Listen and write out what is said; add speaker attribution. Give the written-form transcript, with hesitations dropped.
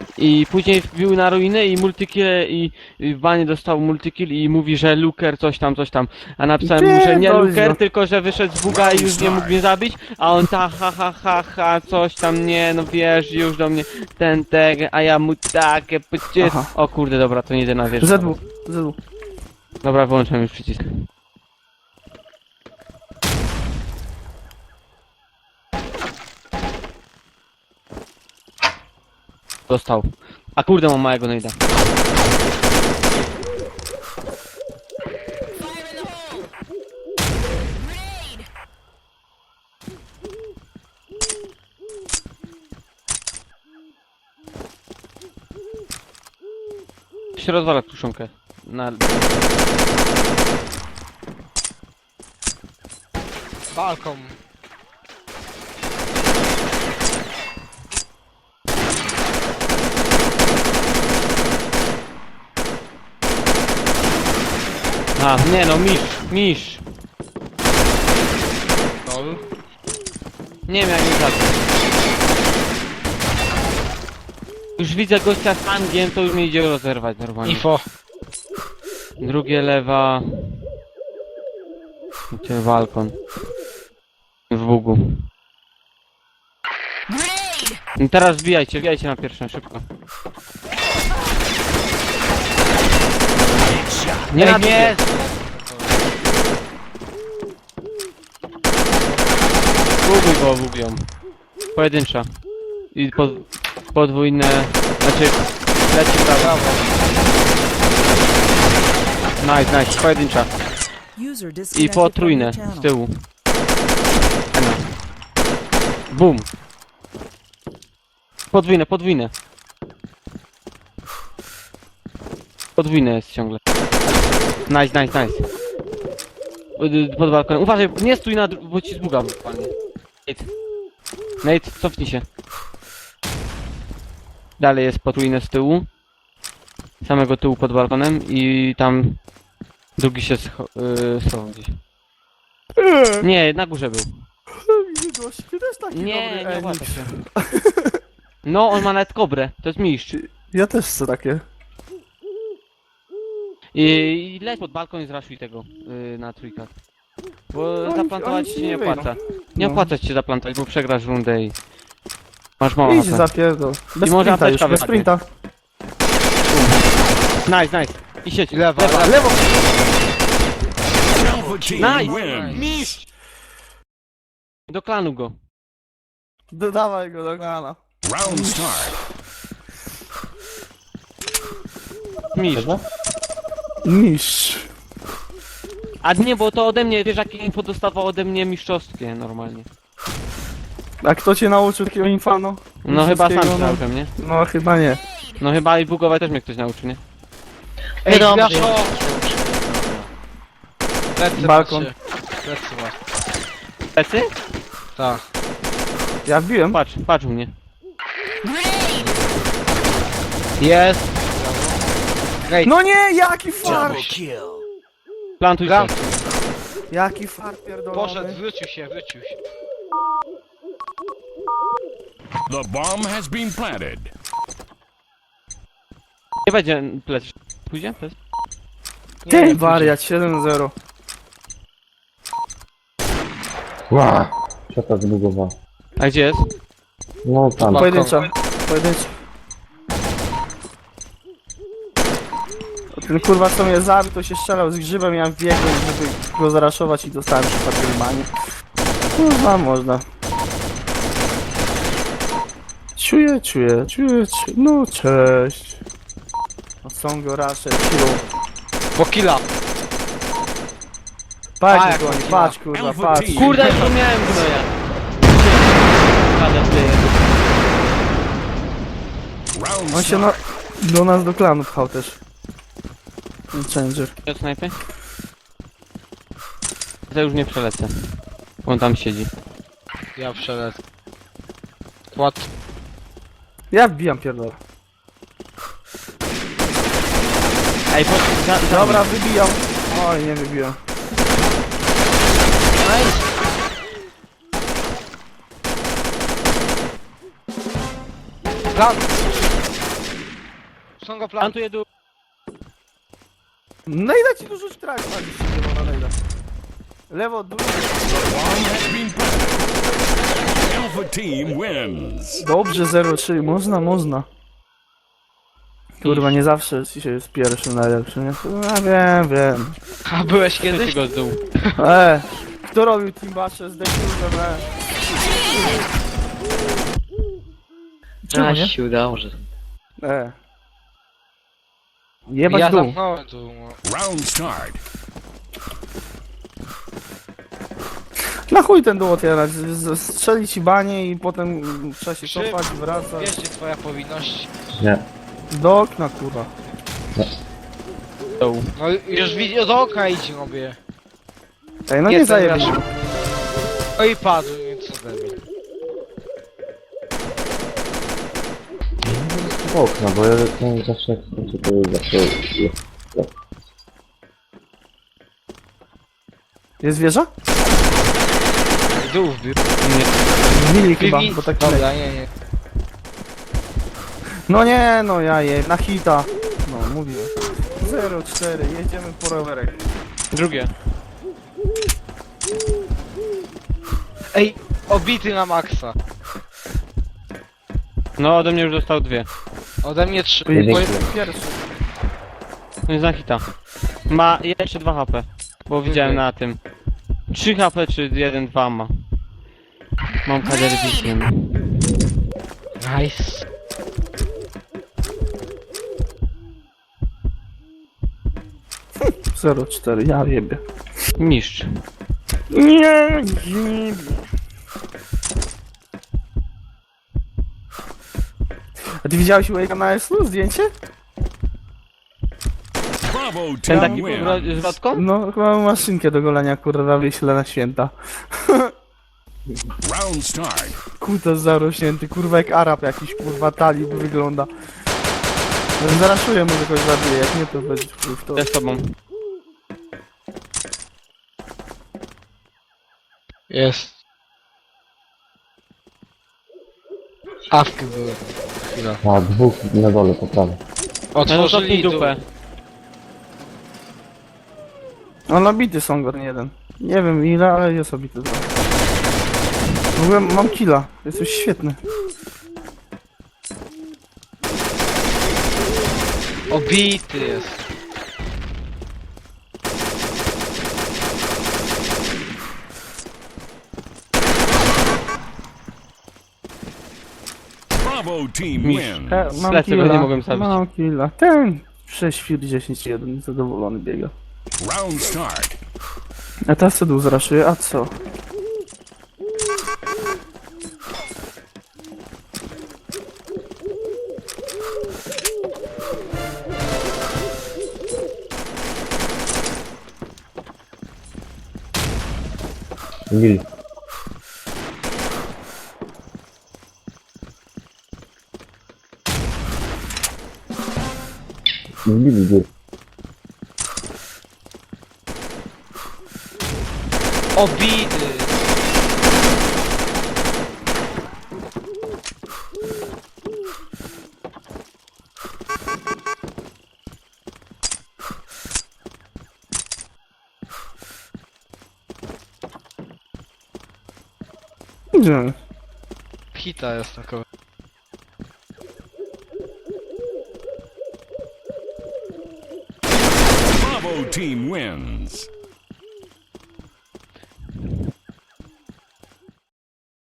Speaker 1: I później wbił na ruinę i multikill i w banie dostał multikill i mówi, że Luker coś tam. A napisałem mu, że nie Luker, tylko że wyszedł z buga i już nie mógł mnie zabić, a on ta ha, coś tam, nie, no wiesz, już do mnie ten, a ja mu takie pycie... O kurde, dobra, to nie idę na wieżę.
Speaker 2: ZW.
Speaker 1: Dobra, wyłączam już przycisk. Dostał. A kurde, mam małego nejda. Się rozwala kruszonkę. Na...
Speaker 3: Balkon.
Speaker 1: A, nie no, misz.
Speaker 3: Lol.
Speaker 1: Nie wiem jak mi zacząć. Już widzę gościa z hangiem, to już mnie idzie rozerwać normalnie.
Speaker 3: Info.
Speaker 1: Drugie lewa. Gdzie balkon? W bugu. No teraz wbijajcie na pierwszą, szybko. Nie, nie! Buguj go, bugują. Pojedyncza. I podwójne... Znaczy... Leci prawo. Nice, pojedyncza. I potrójne z tyłu. Bum. Podwójne. Podwójne jest ciągle. Nice. Pod balkonem. Uważaj, nie stój na bo ci zbugam. Nate, cofnij się. Dalej jest potrójne z tyłu. Samego tyłu pod balkonem i tam drugi się schował gdzieś. Nie, na górze był.
Speaker 2: Ty też taki
Speaker 1: Nie
Speaker 2: dobry,
Speaker 1: łapie się. No, on ma nawet kobrę, to jest mistrz.
Speaker 2: Ja też chcę takie.
Speaker 1: I leć pod balkon i zraszuj tego na trójkach. Bo
Speaker 2: Oni-
Speaker 1: zaplantować
Speaker 2: oni
Speaker 1: się
Speaker 2: się
Speaker 1: nie
Speaker 2: nie wyjdą.
Speaker 1: opłaca. Nie
Speaker 2: No.
Speaker 1: opłaca ci się zaplantować, bo przegrasz rundę i... Masz mało
Speaker 2: Idź
Speaker 1: HP.
Speaker 2: zapierdol. Bez
Speaker 1: I może
Speaker 2: sprinta już,
Speaker 1: apteczka
Speaker 2: bez
Speaker 1: wypadnie.
Speaker 2: sprinta.
Speaker 1: Nice. I sieć.
Speaker 3: Lewa.
Speaker 2: Lewo!
Speaker 1: Nice! Mistrz! Do klanu go.
Speaker 2: Dodawaj go do klana.
Speaker 4: Round start.
Speaker 1: Mistrz.
Speaker 2: Mistrz.
Speaker 1: A nie, bo to ode mnie, wiesz jakie info dostawał ode mnie mistrzowskie normalnie.
Speaker 2: A kto cię nauczył takiego infano?
Speaker 1: No chyba sam się
Speaker 2: Wszystkiego,
Speaker 1: nauczyłem, nie?
Speaker 2: No chyba nie.
Speaker 1: No chyba i bugować też mnie ktoś nauczył, nie?
Speaker 3: Ej,
Speaker 5: Dobrze.
Speaker 3: Gwiaszo! Plecy
Speaker 2: Balkon.
Speaker 3: macie. Plecy masz.
Speaker 1: Plecy?
Speaker 3: Tak.
Speaker 2: Ja wbiłem.
Speaker 1: Patrz u mnie.
Speaker 3: Jest.
Speaker 2: No nie, jaki fart!
Speaker 1: Plantuj się.
Speaker 3: Gram.
Speaker 2: Jaki fart pierdolony.
Speaker 3: Poszedł, wrócił się.
Speaker 4: The bomb has been planted.
Speaker 1: Nie będzie plec. Pójdzie? Plec?
Speaker 2: Ty wariat, 7-0.
Speaker 6: Ła! Co to zbugowało?
Speaker 1: A gdzie jest?
Speaker 6: No tam.
Speaker 2: Pojedyncza. Ten kurwa co mnie zabił, to się strzelał z grzybem, ja biegłem, żeby go zaraszować i dostałem przypadkiem manie. Kurwa, można. Czuję. No cześć. No są go rasze, siłą.
Speaker 3: Po killa.
Speaker 2: Patrz,
Speaker 3: jak
Speaker 2: goni,
Speaker 3: on
Speaker 2: patrz kurwa, patrz.
Speaker 1: Kurde, już miałem gnoja.
Speaker 4: Round
Speaker 2: On się
Speaker 4: start.
Speaker 2: do nas do klanu pchał też. Changer.
Speaker 1: Od snajpy? To już nie przelecę. On tam siedzi.
Speaker 3: Ja przelecę. Płat.
Speaker 2: Ja wbijam pierdolę.
Speaker 1: Ej,
Speaker 2: Dobra, wybijam. Oj, nie wybiłem.
Speaker 3: Plan. są go plan.
Speaker 1: Plantuję dół.
Speaker 2: Nejda ci tu rzuć trak, lewo na nejda. Lewo, dół.
Speaker 4: Bomb has been planted. Alpha team wins.
Speaker 2: Dobrze, 0-3, można. Kurwa, nie zawsze się jest pierwszy najlepszy, nie? No, wiem.
Speaker 3: A byłeś
Speaker 1: Kiedyś
Speaker 3: kiedyś?
Speaker 1: go z dół.
Speaker 2: Kto robił Team Basze z Dekulem, Czemu nie?
Speaker 3: się udało, że...
Speaker 2: Jebać
Speaker 3: Ja
Speaker 2: dół.
Speaker 3: zamknąłem tu. No.
Speaker 4: Round start.
Speaker 2: Na chuj ten dół otwierać, strzeli ci banie i potem trzeba się
Speaker 3: Szybko.
Speaker 2: cofać, wracać.
Speaker 3: Wiesz, gdzie twoja powinność.
Speaker 6: Nie.
Speaker 2: Do okna, kurwa.
Speaker 1: Dół.
Speaker 3: No już widzi, do oka idź robię.
Speaker 2: Ej, no
Speaker 3: Nie,
Speaker 2: nie
Speaker 3: to
Speaker 2: zajebiesz.
Speaker 3: wiesz. No i padł, nic ode mnie.
Speaker 6: Okna, bo ja no, zawsze jak skończę, to zawsze jest.
Speaker 2: Jest wieża?
Speaker 3: W dół wbił.
Speaker 2: Wbili chyba,
Speaker 3: Wbił.
Speaker 2: bo tak
Speaker 3: Dobra, nie.
Speaker 2: No nie, no ja je, na hita. No, mówiłem. 0-4, jedziemy po rowerek.
Speaker 1: Drugie.
Speaker 3: Ej, obity na maksa.
Speaker 1: No ode mnie już dostał dwie.
Speaker 3: Ode mnie 3.
Speaker 2: Pierwszy.
Speaker 1: No jest na hita. Ma jeszcze 2 HP. Bo widziałem na tym. 3 HP czy 1-2 ma. Mam kaderbiciem.
Speaker 3: Nice.
Speaker 2: Zero 4, ja jebie.
Speaker 1: Mistrz.
Speaker 2: Nie. A ty widziałeś u Ejka na SU zdjęcie?
Speaker 4: Bravo
Speaker 1: Ten
Speaker 4: team
Speaker 1: taki
Speaker 4: wins.
Speaker 1: z lotką?
Speaker 2: No, chyba mam maszynkę do golenia, kurwa, wyślę na święta.
Speaker 4: Round start.
Speaker 2: Kutas zarośnięty, kurwa, jak Arab jakiś, kurwa, talib wygląda. Zaraszuję, może kogoś zabiję, jak nie, to będzie w to.
Speaker 1: Ja z tobą.
Speaker 3: Jest. Awki były. Chwila.
Speaker 6: A, dwóch na dole po prawej.
Speaker 1: No to
Speaker 3: Otworzyli
Speaker 1: dupę.
Speaker 2: No, nabity są go, jeden. Nie wiem ile, ale jest obity dwa. W ogóle mam killa, jesteś świetny.
Speaker 3: Obity jest.
Speaker 4: Bravo team
Speaker 1: Mistrz.
Speaker 4: wins.
Speaker 2: Mam
Speaker 1: Lecę, go nie mogłem zabić.
Speaker 2: Mam killa. Ten 6 fir 10-1, zadowolony biega.
Speaker 4: Round start.
Speaker 2: A teraz co dół zraszuje, a co?
Speaker 6: Lil. Lil, gór.
Speaker 3: Obity.
Speaker 2: Gdzie?
Speaker 3: Hita jest takowy.
Speaker 4: Bravo team wins.